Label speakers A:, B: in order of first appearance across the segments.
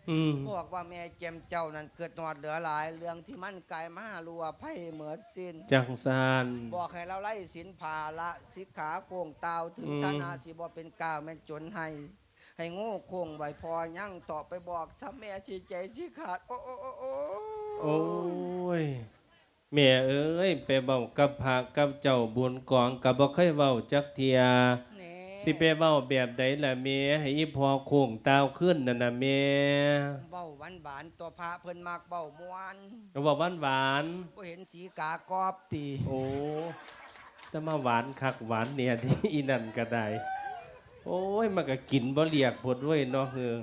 A: บอกว่าแม่แจมเจ้านั้นเกิดนอดเหลือหลายเรื่องที่มันกลายมาลัวไพ่เหมือดสิ้น
B: จังซาน
A: บอกให้เราไล่สินภาละสิกขาโคงเตาถึงธนาสิบ่เป็นกาวแม่นจนให้โง่โคงไว้พอยั่งต่อไปบอกซ้ำแม่ชีใจชีขาดโอ้โอ้โอ้โอ้
B: โอ้ยแม่เอ้ยไปเว้ากับพระกับเจ้าบุญกองกับบ่เคยเว้าจักเทียสิไปเว้าแบบใดล่ะแม่ให้อีพอโค้งตาวขึ้นนั่นน่ะแม่
A: เบ้าหวานหวานตัวพระเพิ่นมากเบ้ามวน
B: เว้าหวาน
A: บ่เห็นสีกากอบตี
B: โอ้จะมาหวานคักหวานเนี่ยที่อีนั่นก็ได้โอ้ยมันก็กินบ่เรียกพดด้วยเนาะเฮือ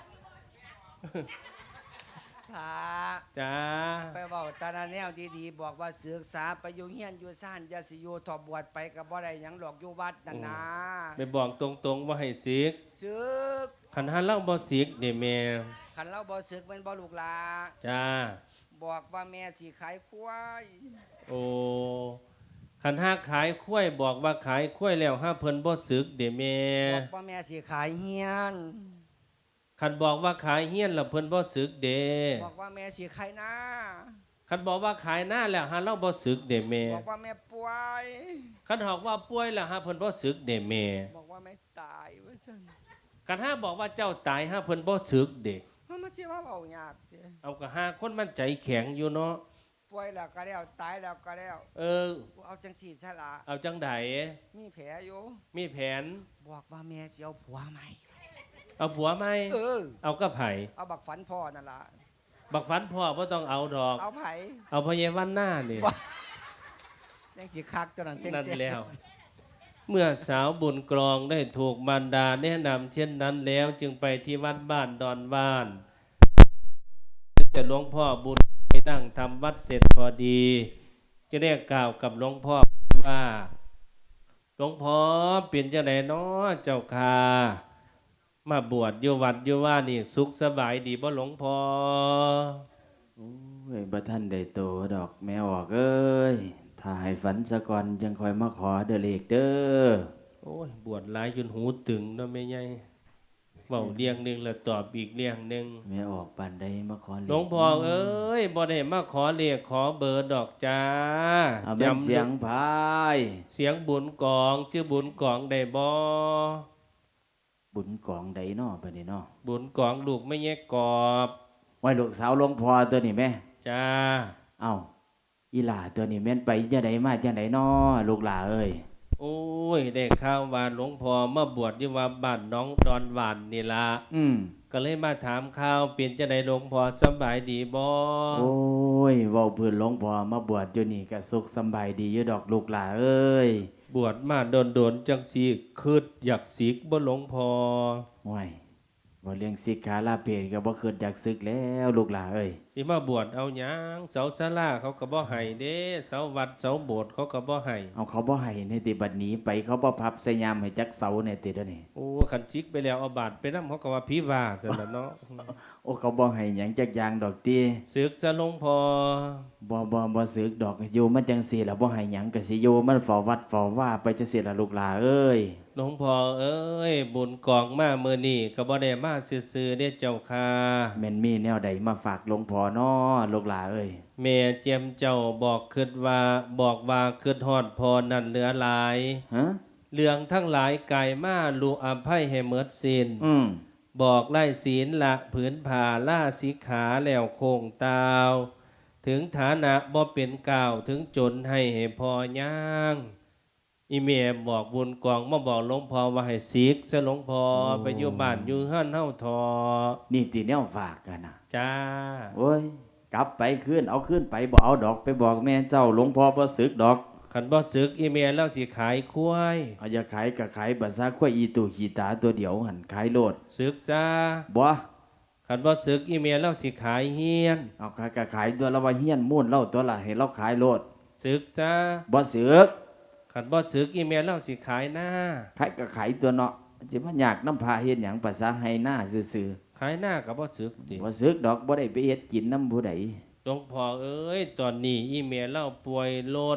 A: พระ
B: จ้า
A: ไปเว้าตาแนวดีๆบอกว่าศึกษาไปอยู่เฮียนอยู่ซ่านอย่าสิอยู่ทอบวชไปก็บ่ได้หยังหรอกอยู่วัดนั่นนะ
B: ไปบอกตรงๆว่าให้ศึก
A: ศึก
B: คันหาเล่าบ่ศึกนี่แม่
A: คันเราบ่ศึกเป็นบ่ลูกหลา
B: จ้า
A: บอกว่าแม่สิขายควาย
B: โอ้คันหาขายข้วยบอกว่าขายข้วยแล้วห้าเพิ่นบ่ศึกเด้แม่
A: บอกว่าแม่สิขายเฮียน
B: คันบอกว่าขายเฮียนแล้วเพิ่นบ่ศึกเด้
A: บอกว่าแม่สิขายหน้า
B: คันบอกว่าขายหน้าแล้วหาเราบ่ศึกเด้แม่
A: บอกว่าแม่ป่วย
B: คันบอกว่าป่วยแล้วหาเพิ่นบ่ศึกเด้แม่
A: บอกว่าแม่ตายว่าซั่น
B: คันหาบอกว่าเจ้าตายหาเพิ่นบ่ศึกเด้
A: มันสิว่าเว้ายากเด้
B: เอาก็หาคนมันใจแข็งอยู่เนาะ
A: ป่วยแล้วก็แล้วตายแล้วก็แล้วเอาจังซี่ซะล่ะ
B: เอาจังได
A: มีแผลอยู่
B: มีแผน
A: บอกว่าแม่สิเอาผัวใหม่
B: เอาผัวไหมเอากับไผ
A: เอาบักฝันพ่อนั่นล่ะ
B: บักฝันพ่อบ่ต้องเอาดอก
A: เอาไผ
B: เอาพ่อเยวันหน้านี่
A: ยังสิคักตัวนั้นเส้น
B: นั่นแล้วเมื่อสาวบุญกรองได้ถูกมารดาแนะนำเช่นนั้นแล้วจึงไปที่วัดบ้านดอนบ้านจะหลวงพ่อบุญไปนั่งทำวัดเสร็จพอดีจะได้กล่าวกับหลวงพ่อว่าหลวงพ่อเป็นจังไดน้อเจ้าค่ะมาบวชอยู่วัดอยู่ว่านี่สุขสบายดีบ่หลวงพ่อ
C: โอ้ยบ่ท่านได้โตดอกแม่ออกเอ้ยถ้าให้ฝันซะก่อนจังคอยมาขอเด้อเลขเด้อ
B: โอ้ยบวชหลายจนหูตึงเนาะแม่ใหญ่เว้าเรียงนึงแล้วตอบอีกเรียงนึง
C: แม่ออกปานใดมาขอเลข
B: หลวงพ่อเอ้ยบ่ได้มาขอเลขขอเบอร์ดอกจ้า
C: จำเสียงพาย
B: เสียงบุญกองชื่อบุญกองได้บ่
C: บุญกองใดน้อบัดนี้น้อ
B: บุญกองลูกไม่แยกกอบ
C: ไว้ลูกสาวหลวงพ่อตัวนี้แม่
B: จ้า
C: เอ้าอีหล่าตัวนี้แม่นไปจังไดมาจังไดน้อลูกหล่าเอ้ย
B: โอ้ยได้ข่าวว่าหลวงพ่อมาบวชอยู่ว่าบ้านน้องดอนหวานนี่ล่ะก็เลยมาถามข่าวเป็นจังไดหลวงพ่อสบายดีบ่
C: โอ้ยเว้าพื้นหลวงพ่อมาบวชอยู่นี่ก็สุขสบายดีอยู่ดอกลูกหล่าเอ้ย
B: บวชมาโดนจังสิคิดอยากสิกบ่หลวงพ่อ
C: โอ้ยบ่เลี้ยงสิกขาลาเพศก็บ่คิดอยากศึกแล้วลูกหล่าเอ้ย
B: สิมาบวชเอาหยังเสาศาลาเขาก็บ่ให้เด้เสาวัดเสาโบสถ์เขาก็บ่ให้
C: เอาเขาบ่ให้ในติบัดนี้ไปเขาบ่พับใส่ยามให้จักเสาในติเด้อนี่
B: โอ้คันจิกไปแล้วเอาบาดไปนำเขาก็ว่าผีว่าซั่นล่ะเนาะ
C: โอ้เขาบ่ให้หยังจักอย่างดอกติ
B: ศึกซะหลวงพ่อ
C: บ่ศึกดอกอยู่มันจังซี่ล่ะบ่ให้หยังก็สิอยู่มันเฝ้าวัดเฝ้าว่าไปจังซี่ล่ะลูกหล่าเอ้ย
B: หลวงพ่อเอ้ยบุญกองมามื้อนี้ก็บ่ได้มาซื่อๆเด้เจ้าค่ะ
C: แม่นมีแนวใดมาฝากหลวงพ่อน้อลูกหล่าเอ้ย
B: แม่เจียมเจ้าบอกคิดว่าคิดฮอดพอนั่นเหลือหลายเรื่องทั้งหลายกายมาลูอภัยให้หมดสิ้นบอกไล่ศีลละผืนผ่าล่าสิกขาแล้วโคงตาวถึงฐานะบ่เป็นกล่าวถึงจนให้พอย่างอีเมียบอกบุญกองมาบอกหลวงพ่อว่าให้สิกซะหลวงพ่อไปอยู่บ้านอยู่เฮือนเฮาทอ
C: นี่ติแนวฝากกันนะ
B: จ้า
C: โอ้ยกลับไปขึ้นเอาขึ้นไปบ่เอาดอกไปบอกแม่เจ้าหลวงพ่อบ่สึกดอก
B: คันบ่สึกอีเมียแล้วสิขายควาย
C: เอาอย่าขายก็ขายบัดซะควายอีตู่ขี้ตาตัวเดียวหั่นขายโลด
B: สึกซะ
C: บ่
B: คันบ่สึกอีเมียแล้วสิขายเฮียน
C: เอาขายก็ขายตัวละว่าเฮียนมู้นเล่าตัวละให้เราขายโลด
B: สึกซะ
C: บ่สึก
B: คันบ่สึกอีเมียแล้วสิขายหน้า
C: ขายก็ขายตัวเนาะสิมายากนำพาเฮ็ดหยังภาษาให้หน้าซื่อ
B: ๆขายหน้าก็บ่สึกติ
C: บ่สึกดอกบ่ได้ไปเฮ็ดกินนำผู้ใด
B: หลวงพ่อเอ้ยตอนนี้อีเมียเล่าป่วยโลด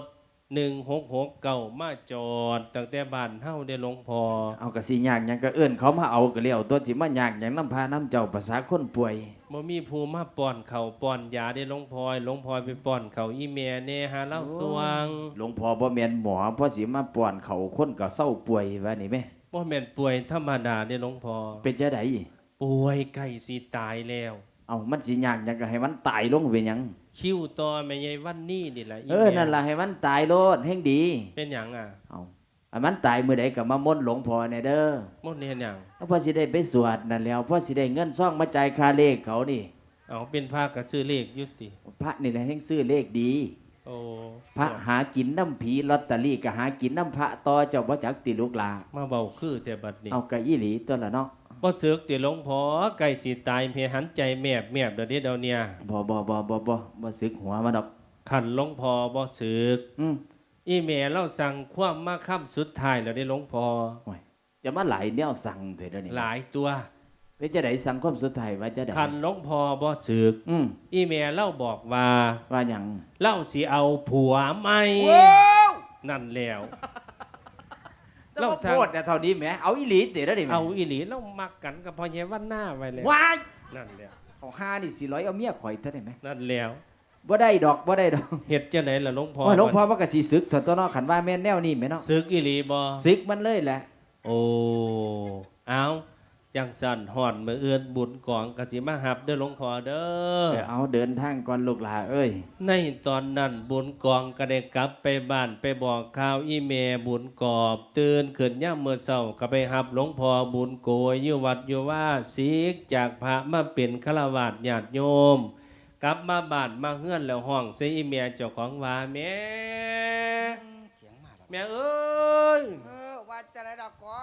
B: 1669มาจอดตั้งแต่บ้านเฮาได้หลวงพ่อ
C: เอากะสิยากหยังก็เอิ้นเขามาเอาก็แล้วตัวสิมายากหยังนำพาน้ำเจ้าภาษาคนป่วย
B: บ่มีผู้มาป้อนข้าวป้อนยาได้หลวงพ่อหลวงพ่อไปป้อนข้าวอีแม่แน่หาเล่าสวง
C: หลวงพ่อบ่แม่นหมอเพราะสิมาป้อนเขาคนก็เศร้าป่วยว่านี่แม่
B: บ่แม่นป่วยธรรมดาได้หลวงพ่อ
C: เป็นจังได๋
B: ป่วยใกล้สิตายแล้ว
C: เอามันสิยากหยังก็ให้มันตายลงเป็นหยัง
B: คิวต่อแม่ใหญ่วันนี้นี่แหละ
C: เออนั่นล่ะให้มันตายโลดแห่งดี
B: เป็นหยังอ่ะ
C: เอาอันมันตายมื้อใดก็มามนต์หลวงพ่อแน่เด้อ
B: หมดเฮ็ดหยัง
C: เอาพอสิได้ไปสวดนั่นแล้วพอสิได้เงินซ่องมาจ่ายค่าเลขเขานี่
B: เอาเป็นพระก็ซื้อเลขอยู่ติ
C: พระนี่แหละแห่งซื้อเลขดี
B: โอ้
C: พระหากินน้ำผีลอตเตอรี่ก็หากินน้ำพระต่อเจ้าบ่จักติลูกหลา
B: มาเบาคือแต่บัดนี้
C: เอากะอีหลีตัวละเนาะ
B: บ่สึกติหลวงพ่อใกล้สิตายเพียหันใจแมบเดี๋ยวนี้เดี๋ยวเนี่ย
C: บ่สึกหัวมันดอก
B: ขันหลวงพ่อบ่สึก
C: อืม
B: อีแม่เราสั่งความมาค่ำสุดท้ายแล้วได้หลวงพ่อ
C: โอ้ยจะมาหลายแนวสั่งเถิดเดี๋ยวนี้
B: หลายตัว
C: เป็นจะได้สั่งความสุดท้ายว่าจะได้
B: ขันหลวงพ่อบ่สึก
C: อืม
B: อีแม่เล่าบอกว่า
C: ว่าหยัง
B: เล่าสิเอาผัวใหม่
A: ว้าว
B: นั่นแล้ว
C: จะ
B: เรา
C: มา
B: สั่ง
C: โพดแต่เท่านี้แหมเอาอีหลีเถิดเดี๋ยวนี้แหม
B: เอาอีหลีเรามักกันกับพ่อแย่วันหน้าไว้แล้ว
C: ว้าย
B: นั่นแล้ว
C: เขาหานี่400เอาเมียข่อยเท่าได้ไหม
B: นั่นแล้ว
C: บ่ได้ดอกบ่ได้ดอก
B: เฮ็ดจังไดล่ะหลวงพ่อ
C: โอ้ยหลวงพ่อว่าก็สิสึกเถอะตัวเนาะคันว่าแม่นแนวนี้แม่เนาะ
B: สึกอีหลีบ่
C: สึกมันเลยแหละ
B: โอ้เอาจังสั่นหอนมื้ออื่นบุญกองก็สิมาหับเด้อหลวงพ่อเด้อ
C: เอาเดินทางก่อนลูกหลาเอ้ย
B: ในตอนนั้นบุญกองก็ได้กลับไปบ้านไปบอกข่าวอีเมบุญกอบตื่นขึ้นย่ามเมื่อเช้าก็ไปหับหลวงพ่อบุญโกยอยู่วัดอยู่ว่าสีกจากพระมาเป็นฆราวาสญาติโยม กลับมาบ้านมาเฮือนแล้วห้องใส่อีเมเจ้าของว่าแม่
A: เสียงมาแล้ว
B: แม่เอ้ย
A: ว่าจะได้ดอกกอง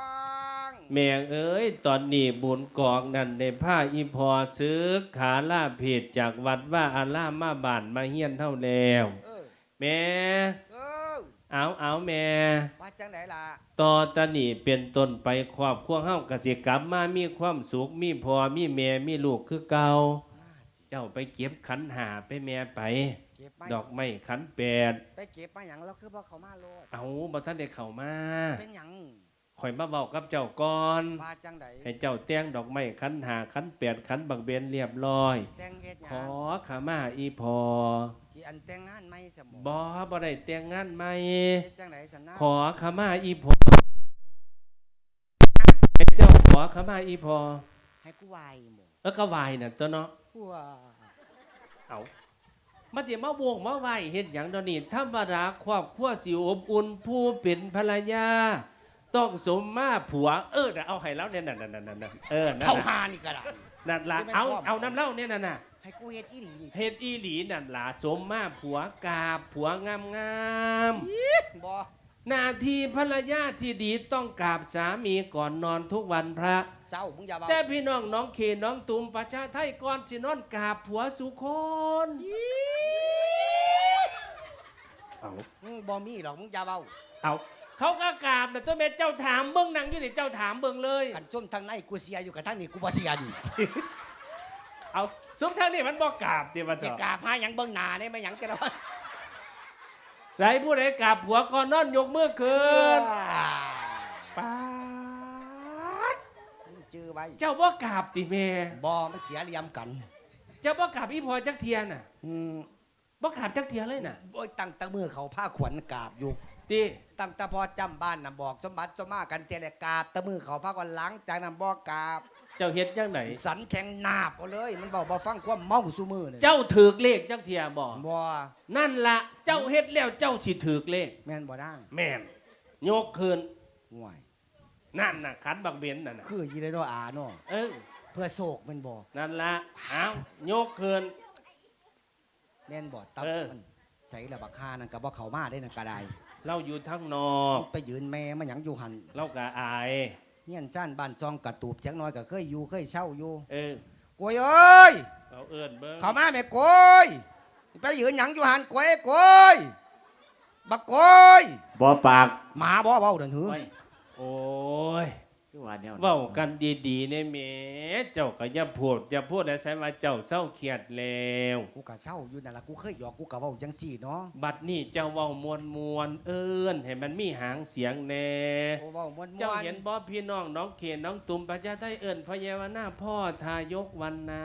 B: แม่เอ้ยตอนนี้บุญกองนั่นได้ผ้าอีพอซื้อขาล่าเพจจากวัดว่าอาล่ามาบ้านมาเฮียนเท่าแล้ว แม่
A: เออ
B: เอาแม่
A: ว่าจังไหนล่ะ
B: ต่อตะนี่เป็นต้นไปครอบครัวเฮากสิกลับมามีความสุขมีพ่อมีแม่มีลูกคือเก่าเจ้าไปเก็บขันหาไปแม่ไป
A: เก็บมา
B: ดอกไม้ขันแปด
A: ไปเก็บมาหยังแล้วคือบ่เขามาโลด
B: เอาบ่ทันได้เข้ามา
A: เป็นหยัง
B: ข่อยมาเว้ากับเจ้าก่อน
A: ว่าจังได
B: ให้เจ้าแต่งดอกไม้ขันหาขันแปดขันบักเบนเรียบร้อย
A: แต่งเฮ็ดห
B: ข
A: ยั
B: อง ขมาอีพอ
A: สิอันแต่งงานไหมสม
B: บ่ได้แต่งงานใหม่
A: เฮ็ดจังไดสันนะ
B: ขอขมาอีพอให้เจ้าขอขมาอีพอ
A: ให้กูไหวหมด
B: ก็วายน่ะตัวเนาะ
A: ว้า
B: เอามาเดี๋ยวมาโวงมาไหวเฮ็ดหยังเดยวนี้ธรรมดาครอบครัวสิอบอุ่นผู้เป็นภรรยา ต้องสมมาผัวน่ะเอาให้แล้วเนี่ยนั่นนั่น
A: เข้า
B: นั่น
A: หานี่ก็ได้
B: นั่นล่ะเอาน้ำเหล้าเนี่ยนั่นน่ะ
A: ให้กูเฮ็ดอีหลีนี่
B: เฮ็ดอีหลีนั่นล่ะสมมาผัวกาบผัวงาม
A: บ่
B: หน้าที่ภรรยาที่ดีต้องกราบสามีก่อนนอนทุกวันพระ
A: เจ้ามึงอย่าเว้า
B: แต่พี่น้องน้องเขน้องตุ่มประชาไทยก่อนสินอนกราบผัวสุคน เอา
A: บ่มีหรอกมึงอย่าเว้า
B: เอาเขาก็กราบนะตัวแม่เจ้าถามเบิ้งนางอยู่นี่เจ้าถามเบิ้งเลย
A: กันจุ่มทางในกูเสียอยู่กับทางนี้กูบ่เสียนี่
B: เอาซุ้มทางนี้มันบอกกราบเดี๋ยวมา
A: สิ
B: เถอะ
A: กราบหาหยังเบิ่งหน้าได้มั้ยหยังแต่ละวัน
B: ใส่ผู้ใดกราบผัวก่อนนอนยกมือขึ้นป๊าด
A: มึงจื้อไว้
B: เจ้าบ่กราบติแม่
A: บ่มันเสียเหลี่ยมกัน
B: เจ้าบ่กราบอีพอจักเทียน่ะ
A: อืม
B: บ่กราบจักเทียเลยน่ะ
A: โอ้ยตั้งแต่มือเขาผ้าขวัญกราบอยู่
B: ติ
A: ตั้งแต่พอจำบ้านน่ะบอกสมบัติสมมากันเตะแหละกราบแต่มือเขาผ้าก่อนหลังจากนั้นบ่กราบ
B: เจ้าเฮ็ดจังไหน
A: สันแข็งนาบเอาเลย มันบอกบ่ฟังความเมาซุมือเลย
B: เจ้าถือเลขจักเทียบ่
A: บ่
B: นั่นละเจ้าเฮ็ดแล้วเจ้าสิถือเลข
A: แม่นบ่ได้
B: แม่นยกคืน
A: ห่วย
B: นั่นน่ะขันบักเบนนั่นน่ะ
A: คือยีเลยตัวอาเนาะ
B: เออ
A: เพื่อโศกแมันบ่
B: นั่นละเอายกคืน
A: แม่นบ่ตับ
B: เออ
A: มันใส่ละบักคานั่นก็บ่เข้ามาได้นั่นก็ได้
B: เราอยู่ทั้งนอก
A: ไปยืนแม่มันหยังอยู่หัน
B: เราก็อาย
A: เฮียนซ่านบ้านซองกระตูบจักหน้อยก็เคยอยู่เคยเช่าอยู่
B: เออก
A: ล้วยเอ้ย
B: เราเอิ้นเบิ่ง
A: เข้ามาแม่กล้วยไปยืนหยังอยู่หันกล้วยกล้วยบักกล้วย
C: บ่ปาก
A: หมาบ่เว้าเดินหือ
B: โอ้ย
A: เ
C: ว่าแนวนั้น
B: เว้ากันดีๆในแหม่เจ้าก็อย่าพูดให้ใส่ว่าเจ้าเศร้าเครียดแล้ว
A: กูกะเศร้าอยู่นั่นล่ะกูเคยหยอกกูกะเว้าจังซี่เนาะ
B: บัดนี้เจ้าเว้ามวนเอิ้นให้มันมีหางเสียงแน่
A: โอ้เว้าม่วน
B: เจ้าเห็นบ่พี่น้องน้องเขนน้องตุ่มประชาไทยเอิ้นพระเยาวนาพ่อทายกวันนา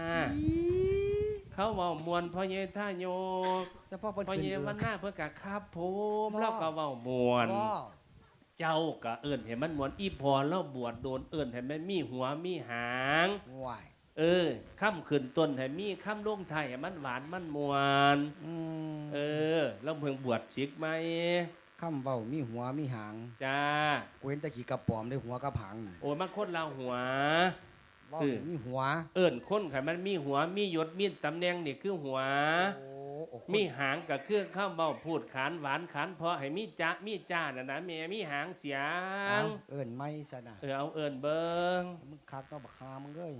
B: เขาเว้ามวนพ่อเยทายก
A: เฉพาะเพิ่น
B: พ่อ
A: ขึ้น
B: เย
A: เอ
B: วัน
A: อ
B: นาเพิ่นก็ครับผม
A: บ่
B: แล้วก็เว้ามวน
A: บ่
B: เจ้าก็เอิ้นให้มันมวนอีพอแล้วบวชโดนเอิ้นให้มันมีหัวมีหาง
A: ห่วย
B: ค่ำขึ้นต้นให้มีค่ำลงไทายให้มันหวานมันมวน แล้วเพิ่งบวชศิกไหม
A: คำเว้ามีหัวมีหาง
B: จ้า
A: กูเห็นแตะขี้กระป๋อมได้หัวกับหางนี่
B: โอ้ยมันคนเราหัว
A: เว้ามีหัว
B: เอิ้นคนไขมันมีหัวมียศมีตำแหน่งนี่คือหัว
A: โอ้
B: มีหางกับเครื่องข้าวเบาพูดขานหวานขานเพราะให้มีจ้ามีจ้าน่ะนะแม่มีหางเสีย
A: เอาเอิ้นไม่ซะนะ
B: เอาเอิ้นเบิง
A: มึงคักเนาะบักฮามึงเอ้ย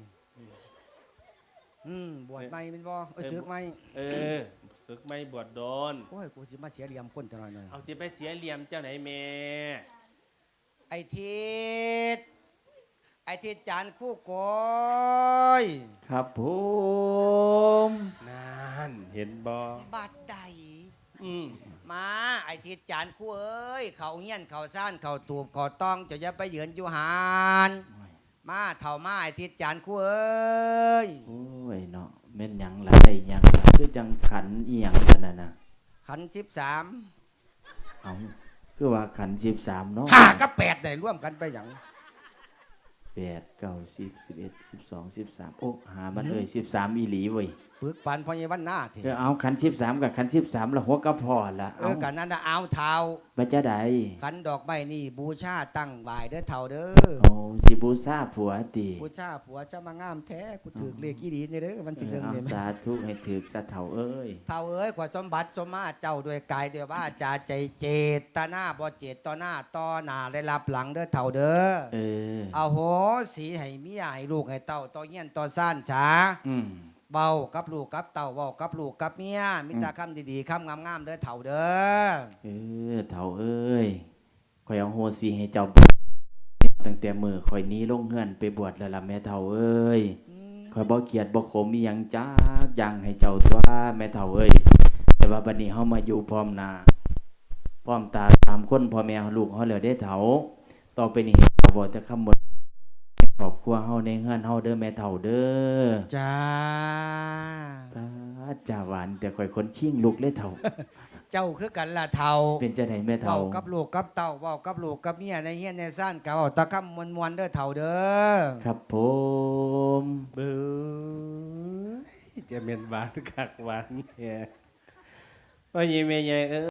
A: บวชไม่เป็นบ่สึกไม่
B: ฝึกไม่บวชโดน
A: โอ้ยกูสิมาเสียเหลี่ยมคนจังหน่อยหน่อย
B: เอาสิไปเสียเหลี่ยมเจ้าไหนแม่
A: ไอ้ทิศไอ้ทิศจานคู่โกย
C: ครับผม
B: นั่นเห็นบ่
A: บัดใด
B: อืม
A: มาไอ้ทิศจานคู่เอ้ยเขาเงี้ยนเขาซ่านเขาตูบเขาต้องจะอย่าไปเหยือนอยู่หานมาเท่ามาไอ้ทิศจานคู่เอ้ย
C: โอ้ยเนาะแม่นหยังล่ะได้หยังล่ะคือจังขันอีหยังกันน่ะ
A: ขัน13
C: เอาคือว่าขัน13เนาะ
A: 5กับ8ได้ร่วมกันไปหยัง
C: 8 9 10 11 12 13โอ้หามัน13อีหลีเว้ย
A: ปึกปันพอเยวันหน้าเถ
C: เอาขัน13กับขัน13ละหัวกระพอละเอา
A: กันนั่นน่ะเอาเท้า
C: บัจะใด
A: ขันดอกไม้นี่บูชาตั้งบ่ายเด้อเท่าเด้อ
C: โอ้สิบูชาผัวติ
A: บูชาผัวจะมางามแท้กูถือเลขอีดีนี่เด้อวันที่หนึ่ง
C: เอา
A: เนี่ย
C: สาธุให้ถึกสะเฒ่าเอ้ย
A: เท่าเอ้ยกว่าสมบัติสมมาเจ้าด้วยกายด้วยว่าจาใจเจตนาบ่เจตต่อหน้าต่อหน้าได้รับหลังเด้อเท่าเด้อ
C: เออ
A: เอาโหสีให้เมียให้ลูกให้เต้าต่อเงี้ยนต่อซ่านช้า
C: อืม
A: เบากับลูกกับเต่าเบากับลูกกับเมียมิตรคำดีๆคำงามๆเด้อเถ่าเด้อ
C: เออเฒ่าเอ้ยข่อยเอาโหสิให้เจ้าตั้งแต่มื้อข่อยหนี้ลงเฮือนไปบวชแล้วล่ะแม่เฒ่าเอ้ยข่อยบ่เกลียดบ่ขมมีหยังจักอย่างให้เจ้าตัวแม่เฒ่าเอ้ยแต่ว่าบัดนี้เฮามาอยู่พร้อมหน้าพร้อมตาตามคนพ่อแม่ลูกเฮาแล้วเด้เฒ่าต่อไปนี้บ่แต่คำหมดครอบครัวเฮาในเฮือนเฮาเด้อแม่เฒ่าเด้อ
A: จ้า
C: จ่าหวานแต่ข่อยคนชิ่งลูกเลยเฒ่า
A: เจ้าคือกันล่ะเท่า
C: เป็นจังได๋แม่เฒ่า
A: เบากับลูกกับเต่าเบากับลูกกับเมียในเฮียนในซ่านกับเอาตะคำมวนๆเด้อเถ่าเด้อ
C: ครับผม
B: เบ้อจะเป็นหวานคักหวานแค่ว่ายีแม่ใหญ่